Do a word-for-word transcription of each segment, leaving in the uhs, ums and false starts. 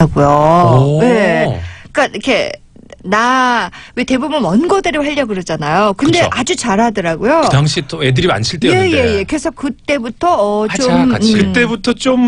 고요. 네. 그러니까 이렇게 나 왜 대부분 원고대로 하려고 그러잖아요. 근데 그쵸. 아주 잘하더라고요. 그 당시 또 애들이 안 칠 때였는데. 예예예. 예. 그래서 그때부터 어, 하자, 좀 같이. 음. 그때부터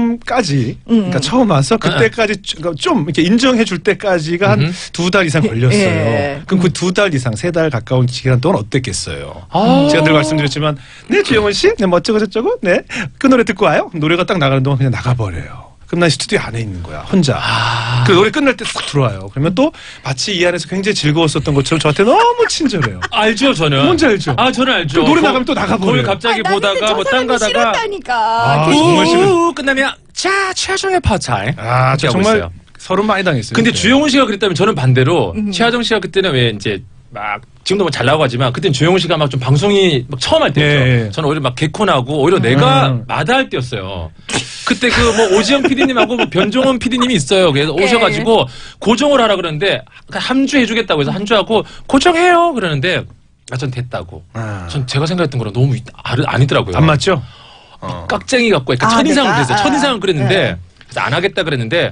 좀까지 음. 그러니까 처음 와서 그때까지 좀 이렇게 인정해 줄 때까지가 한 두 달 이상 걸렸어요. 예. 그럼 그 두 달 이상 세 달 가까운 기간 동안 어땠겠어요? 아. 제가 늘 말씀드렸지만 네 주영원 씨, 네 뭐 어쩌고 저쩌고, 네 그 노래 듣고 와요. 노래가 딱 나가는 동안 그냥 나가버려요. 그럼 난 스튜디오 안에 있는 거야 혼자. 아. 그 노래 끝날 때 싹 들어와요. 그러면 또 마치 이 안에서 굉장히 즐거웠었던 것처럼 저한테 너무 친절해요. 알죠, 저는. 뭔지 알죠? 아, 저는 알죠. 그 노래 나가면 또 나가버려요. 거기 갑자기 아, 보다가 뭐 딴 가다가. 싫었다니까. 아, 그- 정말 싫은- 우 끝나면 자, 최하정의 파타임. 아, 저 정말 서른 많이 당했어요. 근데 그때. 주영훈 씨가 그랬다면 저는 반대로 음. 최하정 씨가 그때는 왜 이제 막 지금도 뭐 잘 나가지만 그때는 주영훈 씨가 막 좀 방송이 막 처음 할 때였죠. 예, 예. 저는 오히려 막 개콘하고 오히려 내가 음. 마다할 때였어요. 그때 그 뭐 오지영 피디님하고 뭐 변종원 피디님이 있어요. 그래서 예. 오셔가지고 고정을 하라 그러는데 한 주 해주겠다고 해서 한 주 하고 고정해요 그러는데 아, 전 됐다고. 아. 전 제가 생각했던 거랑 너무 아- 아니더라고요. 안 맞죠? 어. 깍쟁이 갖고 약간 아, 첫인상을 내가? 그랬어요. 아, 첫인상을 그랬는데 네. 그래서 안 하겠다 그랬는데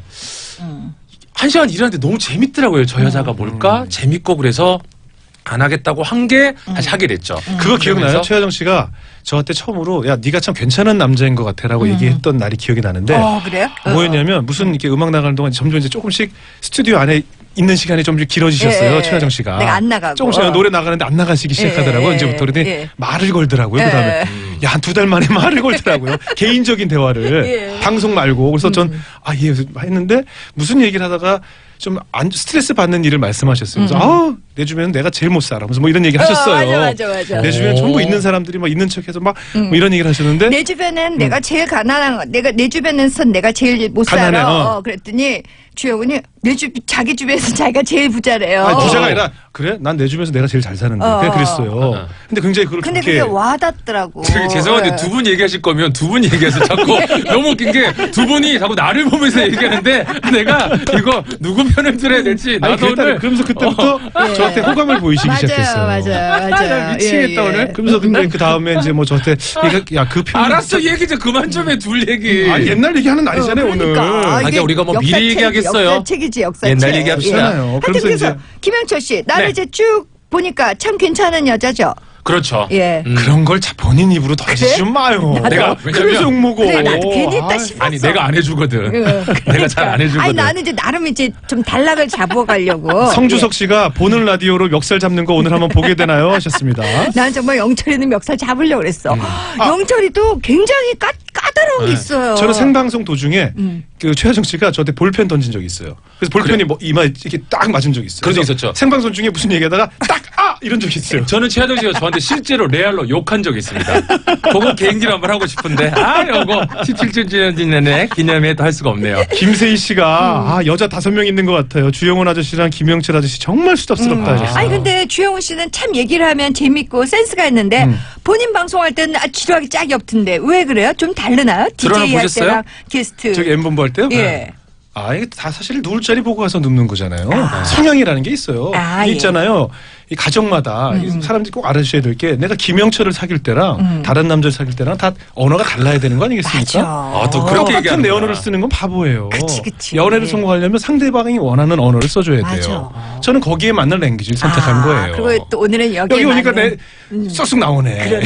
음. 한 시간 일하는데 너무 재밌더라고요. 저 여자가 뭘까? 재밌고 그래서 안 하겠다고 한 게 다시 하게 됐죠. 그거 기억나요? 그러면서 최하정 씨가 저한테 처음으로 야 네가 참 괜찮은 남자인 것 같아라고 얘기했던 날이 기억이 나는데 어 그래요? 뭐였냐면 무슨 이렇게 음악 나가는 동안 점점 이제 조금씩 스튜디오 안에 있는 시간이 좀 길어지셨어요. 예, 최하정 씨가. 내가 안 나가고. 조금씩 노래 나가는데 안 나가시기 시작하더라고요. 예, 이제부터 그러더니 예. 말을 걸더라고요. 예. 그다음에 야 한 두 달 만에 말을 걸더라고요. 개인적인 대화를 예. 방송 말고. 그래서 전 아 예 했는데 무슨 얘기를 하다가 좀 안, 스트레스 받는 일을 말씀하셨어요. 그래서 아우 내 주변은 내가 제일 못 살아. 무슨 뭐 이런 얘기를 하셨어요. 어, 맞아, 맞아, 맞아. 내 주변에 전부 있는 사람들이 막 있는 척해서 막 뭐 이런 얘기를 하셨는데 내 주변엔 내가 제일 가난한 거, 내가 내 주변에선 내가 제일 못 가난해, 살아. 어. 어, 그랬더니 주영훈이 내 주 자기 주변에서 자기가 제일 부자래요. 아니, 부자가 아니라 그래? 난 내 주변에서 내가 제일 잘 사는데 어. 그냥 그랬어요. 어. 근데 굉장히 그걸 근데 좋게 그게 와닿더라고. 되게 죄송한데 네. 두 분 얘기하실 거면 두 분 얘기해서 자꾸 너무 웃긴 게 두 분이 자꾸 나를 보면서 얘기하는데 내가 이거 누구 편을 들어야 될지 아니 나도 그랬다, 오늘 그러면서 그때부터 예. 저한테 호감을 보이시기 맞아요, 시작했어요. 맞아요, 맞아요. 나 미치겠다, 오늘. 그러면서 근데 그 다음에 이제 뭐 저한테 야그 표현 알았어 얘기 좀 그만 좀 해 둘 얘기. 아 옛날 얘기하는 날이잖아요 오늘. 그러니까. 아니, 이게 우리가 뭐 미리 역사책, 얘기하겠어요. 역사책이지 역사책. 옛날 얘기합시다. 그렇잖아요. 하여튼 그러면서 그래서 이제 김영철 씨 나를 네. 이제 쭉 보니까 참 괜찮은 여자죠. 그렇죠. 예. 음. 그런 걸 자 본인 입으로 던지지 그래? 좀 마요. 내가 그래서 왜냐면 욕먹어. 그래 나도 괜히 했다 아, 싶었어. 아니 내가 안 해주거든. 내가 잘 안 해주거든. 아니 나는 이제 나름 이제 좀 단락을 잡아가려고. 성주석 씨가 보는 라디오로 멱살 잡는 거 오늘 한번 보게 되나요? 하셨습니다. 난 정말 영철이는 멱살 잡으려고 그랬어. 음. 영철이도 굉장히 까, 까다로운 게 있어요. 저는 생방송 도중에 음. 그 최하정 씨가 저한테 볼펜 던진 적이 있어요. 그래서 볼펜이 뭐 이마에 이렇게 딱 맞은 적이 있어요. 그런 적 그래서 있었죠. 생방송 중에 무슨 얘기하다가 딱 아 이런 적이 있어요. 저는 최하정 씨가 저한테 실제로 레알로 욕한 적이 있습니다. 그거 개인기로 한번 하고 싶은데 아 요거 십칠 주년 지내네 기념회도 할 수가 없네요. 김세희 씨가 아 여자 다섯 명 있는 것 같아요. 주영훈 아저씨랑 김영철 아저씨 정말 수답스럽다 하셨어요. 아니 근데 주영훈 씨는 참 얘기를 하면 재밌고 센스가 있는데 음. 본인 방송할 때는 아, 지루하기 짝이 없던데 왜 그래요? 좀 다르나요? 드라마 디제이 할 보셨어요? 때랑 게스트. 저기 엠본부 할 때요? 예. 아 이게 다 사실 누울 자리 보고 가서 눕는 거잖아요. 성향이라는 게 있어요. 아, 이게 예. 있잖아요. 이 가정마다 이 사람들이 꼭 알아주셔야 될 게 내가 김영철을 사귈 때랑 음. 다른 남자를 사귈 때랑 다 언어가 달라야 되는 거 아니겠습니까? 맞아. 아, 또 그렇게 똑같은 얘기하는구나. 내 언어를 쓰는 건 바보예요. 그치, 그치. 연애를 성공하려면 상대방이 원하는 언어를 써줘야 맞아. 돼요. 저는 거기에 맞는 랭귀지를 선택한 아, 거예요. 그리고 또 오늘은 여기 여기 오니까 내 쏙쏙 나오네.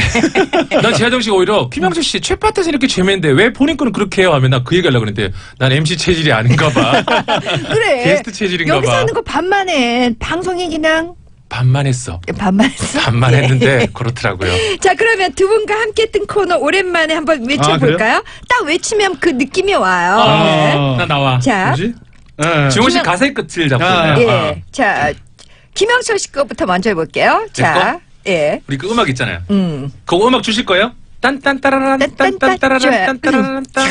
난 최하정 씨가 오히려 김영철 씨 최파트에서 이렇게 죄맨데 왜 본인 거는 그렇게 해요 하면 나 그 얘기 하려고 그랬는데 난 엠씨 체질이 아닌가 봐. 그래. 게스트 체질인가 여기서 봐. 하는 거 반만 해. 방송이 그냥 반만 했어. 반만 했어. 반만 예. 했는데 그렇더라고요. 자 그러면 두 분과 함께 했던 코너 오랜만에 한번 외쳐볼까요? 딱 외치면 그 느낌이 와요. 아. 네. 나 나와. 자, 뭐지? 예. 지원 씨 김영- 가사의 끝을 잡고 아, 있네요. 예. 자, 김영철 씨 거부터 먼저 해볼게요. 자, 예. 우리 그 음악 있잖아요. 음. 그거 음악 주실 거예요? 딴딴따라란 딴딴따라란 딴따라란 딴.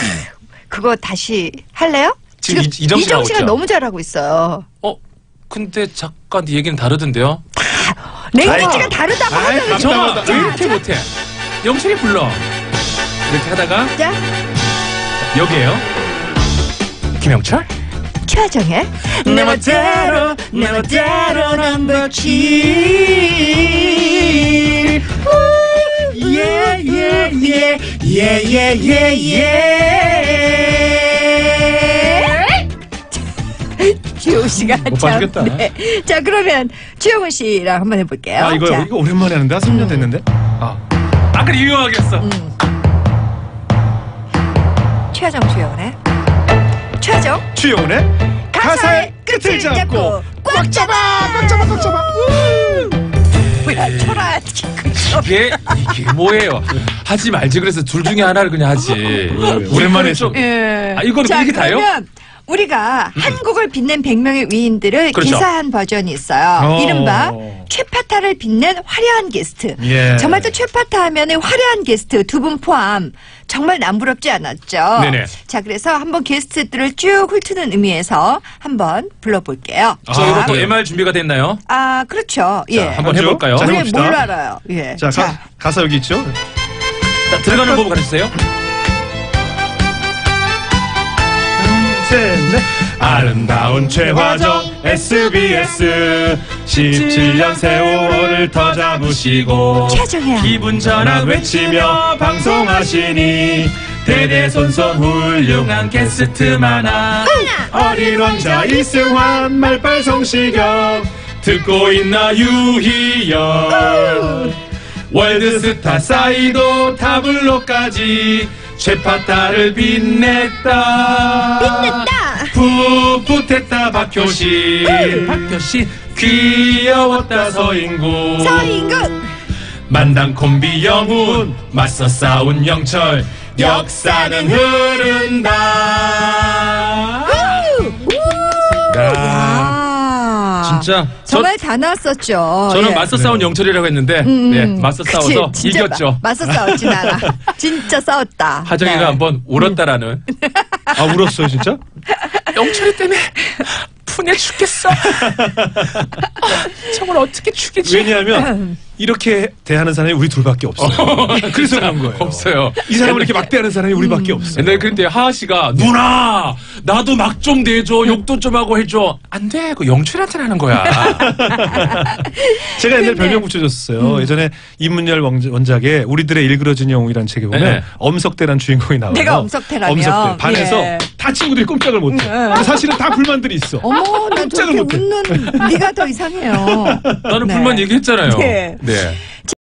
그거 다시 할래요? 지금 이- 이정 씨가 이정 씨가 있죠? 너무 잘하고 있어요. 어? 근데 잠깐 네 얘기는 다르던데요? 랭귀지가 다르다고 아이, 하잖아요. 정아 맞다, 왜 맞다. 이렇게 못해? 영철이 불러. 이렇게 하다가 자, 여기에요. 김영철? 최하정의 내 멋대로 내 멋대로 넘버칠 예예예예예예예 주영훈 씨가 못 참, 봐주겠다. 네. 자 그러면 주영훈 씨랑 한번 해볼게요. 아 이거 자, 이거 오랜만에 하는데 한 삼 년 됐는데. 아 아까 유명하게 했어. 음. 최하정 주영훈의 최하정 주영훈의 가사의 끝을 잡고 꽉 잡아 꽉 잡아 꽉 잡아. 뭐야 초라 이게 이게 뭐예요? 하지 말지 그래서 둘 중에 하나를 그냥 하지. 오랜만에 좀. 예. 아, 이거는 자, 이게 다요? 그러면 우리가 한국을 빛낸 백 명의 위인들을 그렇죠. 기사한 버전이 있어요. 어. 이른바 최파타를 빛낸 화려한 게스트. 예. 정말 또 최파타 하면은 화려한 게스트 두 분 포함 정말 남부럽지 않았죠. 네네. 자, 그래서 한번 게스트들을 쭉 훑는 의미에서 한번 불러볼게요. 아, 저희가 또 네. 엠알 준비가 됐나요? 아, 그렇죠. 예. 한번 그렇죠? 해볼까요? 자, 우리 해봅시다. 뭘 알아요? 예. 자, 가, 가사 여기 있죠. 자, 들어가는 법 가르쳐주세요. 셋, 넷. 아름다운 최화정 에스비에스 십칠 년 세월을 더 잡으시고 최하정이야. 기분 전환 외치며 방송하시니 대대손손 훌륭한 게스트 많아. 어린 왕자 이승환 말빨 성시경 듣고 있나 유희열 월드스타 사이도 타블로까지 최파타를 빛냈다. 빛냈다. 풋풋했다 박효신. 박효신 귀여웠다 서인국. 서인국. 만당 콤비 영훈 맞서 싸운 영철 역사는 흐른다. 야, 와. 진짜 저, 정말 다 나왔었죠. 저는 예. 맞서 싸운 영철이라고 했는데 음, 네, 맞서 그치, 싸워서 진짜 이겼죠. 마- 맞서 싸웠진 않아. 진짜 싸웠다. 하정이가 네. 한번 울었다라는. 아 울었어요 진짜? 영철이 때문에 분해 죽겠어. 정말 어떻게 죽이지? 왜냐하면 이렇게 대하는 사람이 우리 둘밖에 없어요. 그래서 그런 거예요. 없어요. 이 사람을 이렇게 막대하는 사람이 우리밖에 없어요. 옛날에 그때 하하 씨가 누나 나도 막 좀 내줘 욕도 좀 하고 해줘. 안 돼. 그 영철한테 하는 거야. 제가 옛날에 근데- 별명 붙여줬어요. 예전에 이문열 원작- 원작의 우리들의 일그러진 영웅이라는 책에 보면 네. 엄석대란 주인공이 나와요. 내가 엄석대라며. 엄석대. 반에서 예. 다 친구들이 꼼짝을 못해. 근데 사실은 다 불만들이 있어. 어머, 난 꼼짝을 저렇게 못해. 웃는 네가 더 이상해요. 나는 네. 불만 얘기했잖아요. 네. 네.